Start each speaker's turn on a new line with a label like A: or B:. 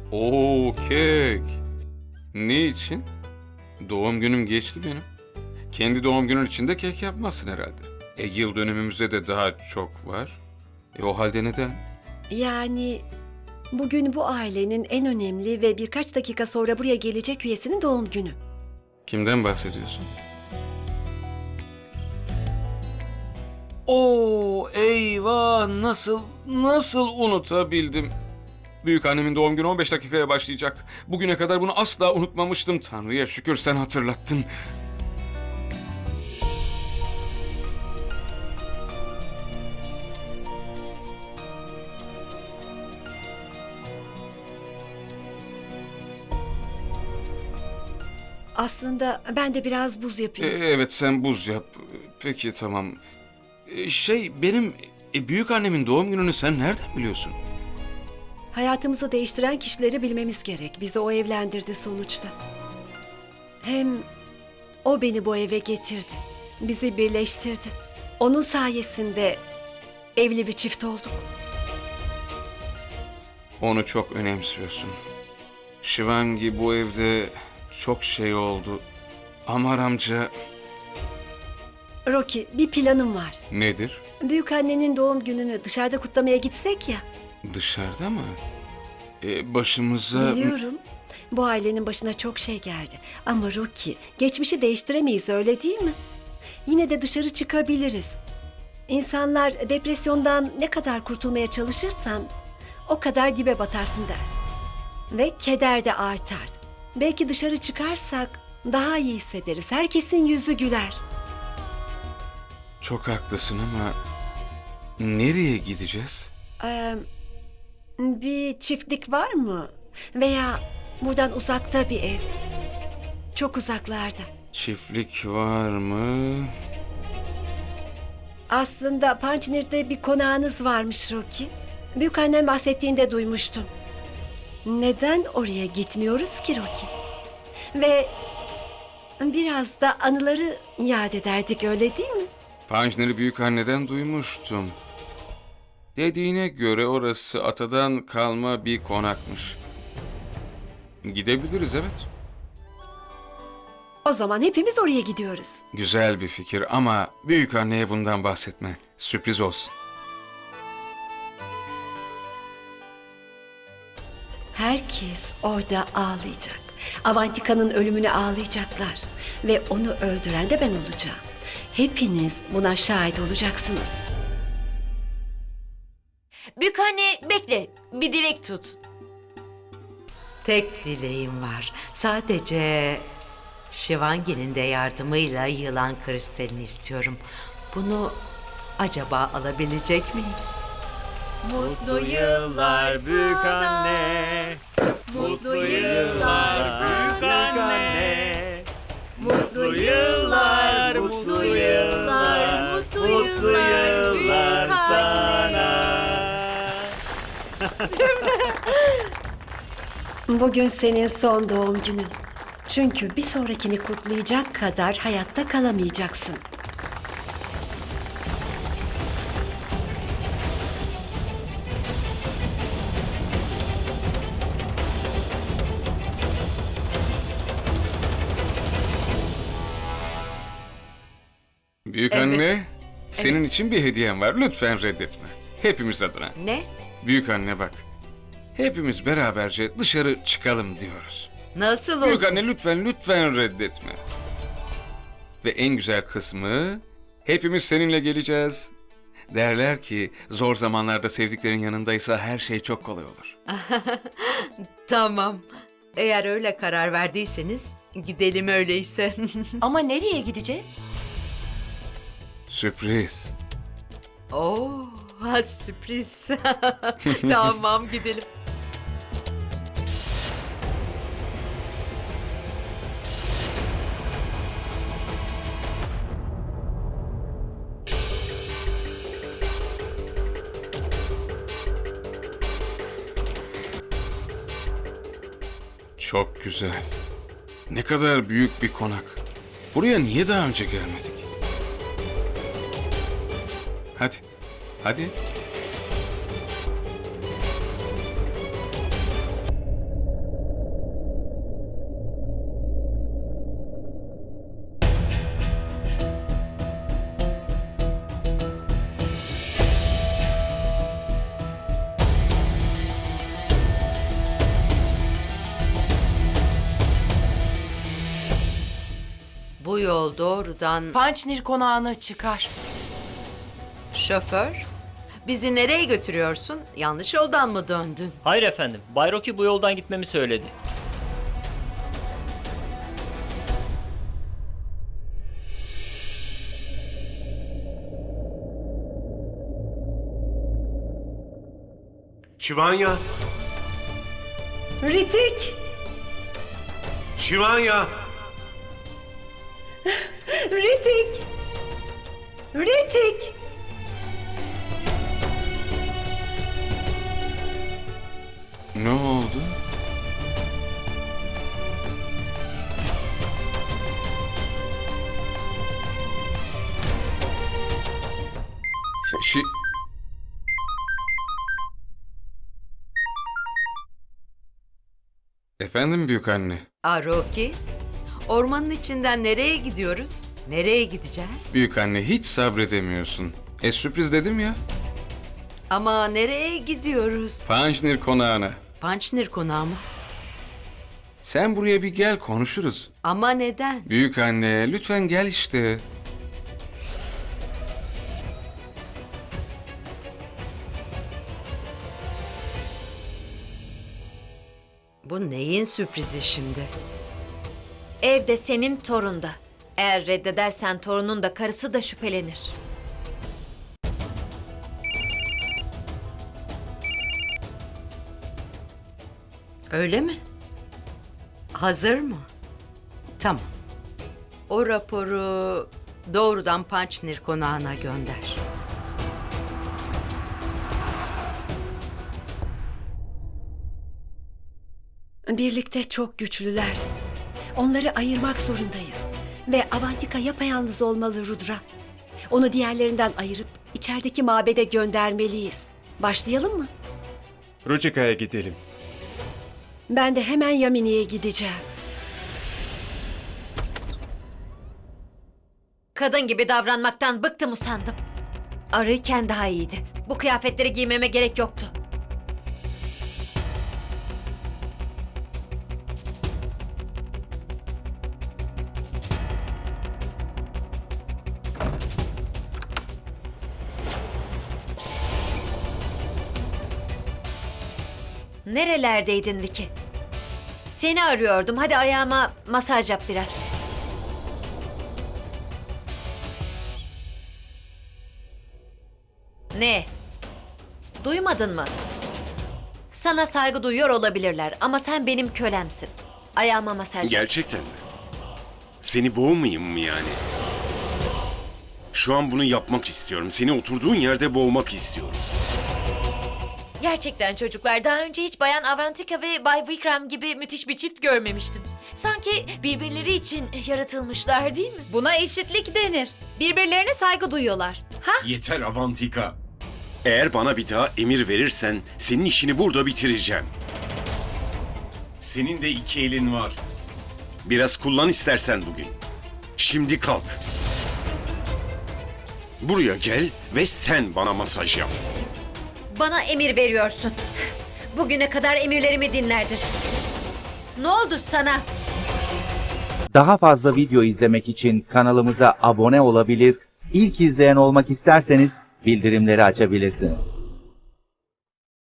A: Oo, kek. Ne için? Doğum günüm geçti benim. Kendi doğum günün için de kek yapmazsın herhalde. Yıl dönümümüzde de daha çok var. O halde neden?
B: Yani bugün bu ailenin en önemli ve birkaç dakika sonra buraya gelecek üyesinin doğum günü.
A: Kimden bahsediyorsun? Oo, eyvah, nasıl unutabildim? Büyük annemin doğum günü 15 dakikaya başlayacak. Bugüne kadar bunu asla unutmamıştım. Tanrı'ya şükür sen hatırlattın.
B: Aslında ben de biraz buz yapayım.
A: Evet, sen buz yap. Peki, tamam. Benim büyük annemin doğum gününü sen nereden biliyorsun?
B: Hayatımızı değiştiren kişileri bilmemiz gerek. Bizi o evlendirdi sonuçta. Hem o beni bu eve getirdi. Bizi birleştirdi. Onun sayesinde evli bir çift olduk.
A: Onu çok önemsiyorsun. Shivangi, bu evde çok şey oldu. Amar amca
B: Rocky, bir planım var.
A: nedir?
B: Büyük annenin doğum gününü dışarıda kutlamaya gitsek ya.
A: Dışarıda mı? Başımıza...
B: Biliyorum. Bu ailenin başına çok şey geldi. Ama Rocky, geçmişi değiştiremeyiz, öyle değil mi? Yine de dışarı çıkabiliriz. İnsanlar depresyondan ne kadar kurtulmaya çalışırsan o kadar dibe batarsın der. Ve keder de artar. Belki dışarı çıkarsak daha iyi hissederiz. Herkesin yüzü güler.
A: Çok haklısın ama nereye gideceğiz?
B: Bir çiftlik var mı? Veya buradan uzakta bir ev. Çok uzaklarda.
A: Çiftlik var mı?
B: Aslında Pançnir'de bir konağınız varmış Rocky. Büyükannem bahsettiğinde duymuştum. Neden oraya gitmiyoruz ki Rocky? Ve biraz da anıları yad ederdik, öyle değil mi?
A: Panjneri büyükanneden duymuştum. Dediğine göre orası atadan kalma bir konakmış. Gidebiliriz, evet.
B: O zaman hepimiz oraya gidiyoruz.
A: Güzel bir fikir ama büyükanneye bundan bahsetme. Sürpriz olsun.
B: Herkes orada ağlayacak. Avantika'nın ölümüne ağlayacaklar. Ve onu öldüren de ben olacağım. Hepiniz buna şahit olacaksınız.
C: Büyükanne bekle, bir dilek tut.
D: Tek dileğim var. Sadece Shivangi'nin de yardımıyla yılan kristalini istiyorum. Bunu acaba alabilecek miyim?
C: Mutlu yıllar büyük anne. Mutlu yıllar büyük anne. Mutlu yıllar, mutlu yıllar, mutlu yıllar sana.
B: Bugün senin son doğum günün. Çünkü bir sonrakini kutlayacak kadar hayatta kalamayacaksın.
A: Büyükanne, senin için bir hediyem var. Lütfen reddetme. Hepimiz adına.
D: Ne?
A: Büyükanne bak. Hepimiz beraberce dışarı çıkalım diyoruz.
D: Nasıl olur?
A: Büyükanne, lütfen reddetme. Ve en güzel kısmı, hepimiz seninle geleceğiz. Derler ki zor zamanlarda sevdiklerin yanındaysa her şey çok kolay olur.
D: Tamam. Eğer öyle karar verdiyseniz gidelim öyleyse.
E: Ama nereye gideceğiz?
A: Sürpriz.
D: Oo, sürpriz. Tamam gidelim.
A: Çok güzel. Ne kadar büyük bir konak. Buraya niye daha önce gelmedik? Hadi.
D: bu yol doğrudan...
E: Pançnir konağına çıkar.
D: Şoför, bizi nereye götürüyorsun? Yanlış yoldan mı döndün?
C: Hayır efendim. Bay Rocky bu yoldan gitmemi söyledi.
F: Şivanya!
B: Ritik!
F: Şivanya!
B: Ritik! Ritik!
A: Ne oldu? Şi... Efendim büyük anne.
D: Rocky, ormanın içinden nereye gidiyoruz? Nereye gideceğiz?
A: Büyük anne hiç sabredemiyorsun. Sürpriz dedim ya.
D: Ama nereye gidiyoruz?
A: Panjnir konağına.
D: Pançnir konağı mı?
A: Sen buraya bir gel konuşuruz.
D: Ama neden?
A: Büyük anne lütfen gel işte.
D: Bu neyin sürprizi şimdi?
G: Evde senin torunda. Eğer reddedersen torunun da karısı da şüphelenir.
D: Öyle mi? Hazır mı? Tamam. O raporu doğrudan Pançnir konağına gönder.
B: Birlikte çok güçlüler. Onları ayırmak zorundayız. Ve Avantika yapayalnız olmalı Rudra. Onu diğerlerinden ayırıp içerideki mabede göndermeliyiz. Başlayalım mı?
H: Ruchika'ya gidelim.
B: Ben de hemen Yamini'ye gideceğim.
G: Kadın gibi davranmaktan bıktım usandım. Arıyken daha iyiydi. Bu kıyafetleri giymeme gerek yoktu. Nerelerdeydin Vicky? Seni arıyordum. Hadi ayağıma masaj yap biraz. Ne? Duymadın mı? Sana saygı duyuyor olabilirler ama sen benim kölemsin. Ayağıma masaj yap.
F: Gerçekten mi? Seni boğmayayım mı yani? Şu an bunu yapmak istiyorum. Seni oturduğun yerde boğmak istiyorum.
G: Gerçekten çocuklar, daha önce hiç Bayan Avantika ve Bay Vikram gibi müthiş bir çift görmemiştim. Sanki birbirleri için yaratılmışlar değil mi?
I: Buna eşitlik denir. Birbirlerine saygı duyuyorlar. Ha?
F: Yeter Avantika. Eğer bana bir daha emir verirsen senin işini burada bitireceğim. Senin de iki elin var. Biraz kullan istersen bugün. Şimdi kalk. Buraya gel ve sen bana masaj yap.
G: Bana emir veriyorsun. Bugüne kadar emirlerimi dinlerdin. Ne oldu sana?
J: Daha fazla video izlemek için kanalımıza abone olabilir, ilk izleyen olmak isterseniz bildirimleri açabilirsiniz.